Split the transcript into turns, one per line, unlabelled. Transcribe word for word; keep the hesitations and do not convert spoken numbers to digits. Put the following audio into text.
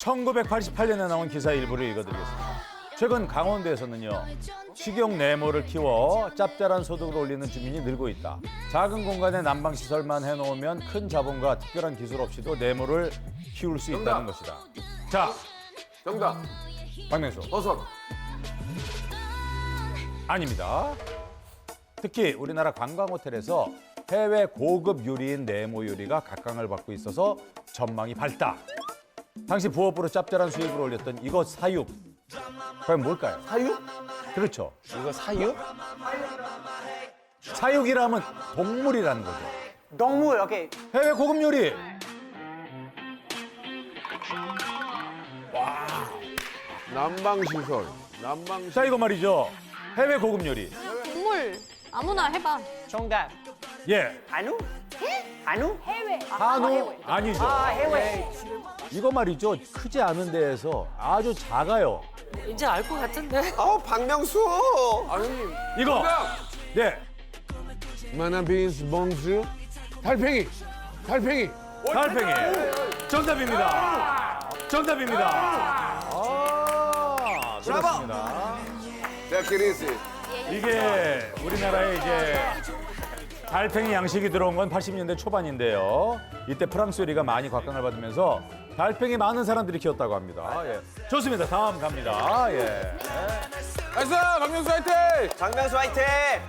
천구백팔십팔 년에 나온 기사 일부를 읽어드리겠습니다. 최근 강원도에서는요, 식용 네모를 키워 짭짤한 소득을 올리는 주민이 늘고 있다. 작은 공간에 난방시설만 해놓으면 큰 자본과 특별한 기술 없이도 네모를 키울 수 있다는 것이다. 자,
정답.
박명수.
버섯.
아닙니다. 특히 우리나라 관광호텔에서 해외 고급 요리인 네모 요리가 각광을 받고 있어서 전망이 밝다. 당시 부업으로 짭짤한 수익을 올렸던 이것 사육. 과연 뭘까요?
사육?
그렇죠.
이거 사육?
사육이라면 동물이라는 거죠.
동물, 오케이.
해외 고급 요리.
난방시설. 난방시설.
자, 이거 말이죠. 해외 고급 요리.
동물 아무나 해봐.
정답.
예.
한우? 한우?
해외.
한우 아니죠.
아, 해외.
이거 말이죠. 크지 않은 데에서 아주 작아요.
이제 알 것 같은데.
어, 박명수.
아, 형님.
이거.
정답.
네.
마나빈스 봉수. 달팽이. 달팽이.
달팽이. 정답입니다. 정답입니다. 아, 그렇습니다.
자키리스.
이게 우리나라에 이제 달팽이 양식이 들어온 건 팔십 년대 초반인데요. 이때 프랑스 요리가 많이 각광을 받으면서 달팽이 많은 사람들이 키웠다고 합니다. 예. 좋습니다. 다음 갑니다. 예.
나이스! 박명수 화이팅!
박명수 화이팅!